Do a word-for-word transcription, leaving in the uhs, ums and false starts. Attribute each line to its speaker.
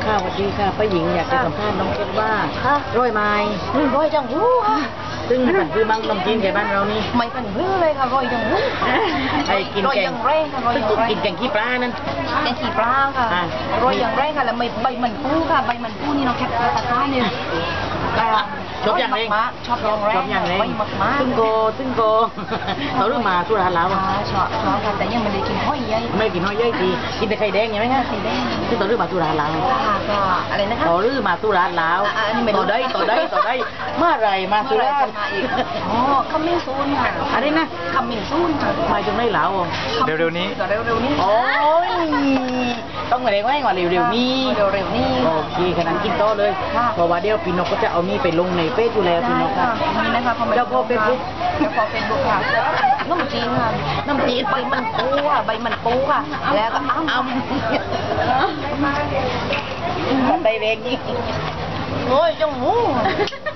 Speaker 1: ค่ะสวัสดีค่ะป้าหญิงอยากจะสัมภาษณ์น้องเพชรว่าร้อยไม้ร้อยจังหู้ค่ะซึ่งมันคือมังนมจีนแกบ้านเรานี่ไม่เป็นเพื่อเลยค่ะร้อยจังหู้ไอ้กินแกงแรงค่ะร้อยยังแรงกินแกงขี้ปลานั่นแกงขี้ปลาค่ะร้อยยังแรงค่ะแล้วใบมันปูค่ะใบมันปูนี่น้องแคปตะกร้าเนี่ยชอบอย่างไรชอบอย่างไรชอบอย่างไรซึ่งโกซึ่งโกเขาเรื่องมาสุราแล้วอ่ะชอบชอบค่ะแต่ยังไม่ได้กินห้อยใหญ่ไม่กินห้อยใหญ่ทีกินแต่ไข่แดงใช่ไหมคะไข่แดงซึ่งต่อเรื่องมาสุราแล้วก็อะไรนะคะต่อเรื่องมาสุราแล้วต่อได้ต่อได้ต่อได้เมื่อไรมาสุราอ๋อขมิ้นซูนค่ะอะไรนะขมิ้นซูนค่ะมาจนได้แล้วเร็วๆนี้เร็วๆนี้โอ้ยต้องมาเร็วไว้ก่อนเร็วๆนี้เร็วๆนี้โอเคขนาดกินโตเลยเพราะว่าเดี๋ยวพี่นกก็จะเอานี่ไปลงในเฟซอยู่แล้วพี่นกค่ะนี่นะคะเจ้าพ่อเฟซบุ๊กเจ้าพ่อเฟซบุ๊กค่ะน้ำจีนค่ะน้ำจีนใบมันปูค่ะใบมันปูค่ะแล้วก็อ้ำอ้ำใบแดงนี่โอ้ยจังหู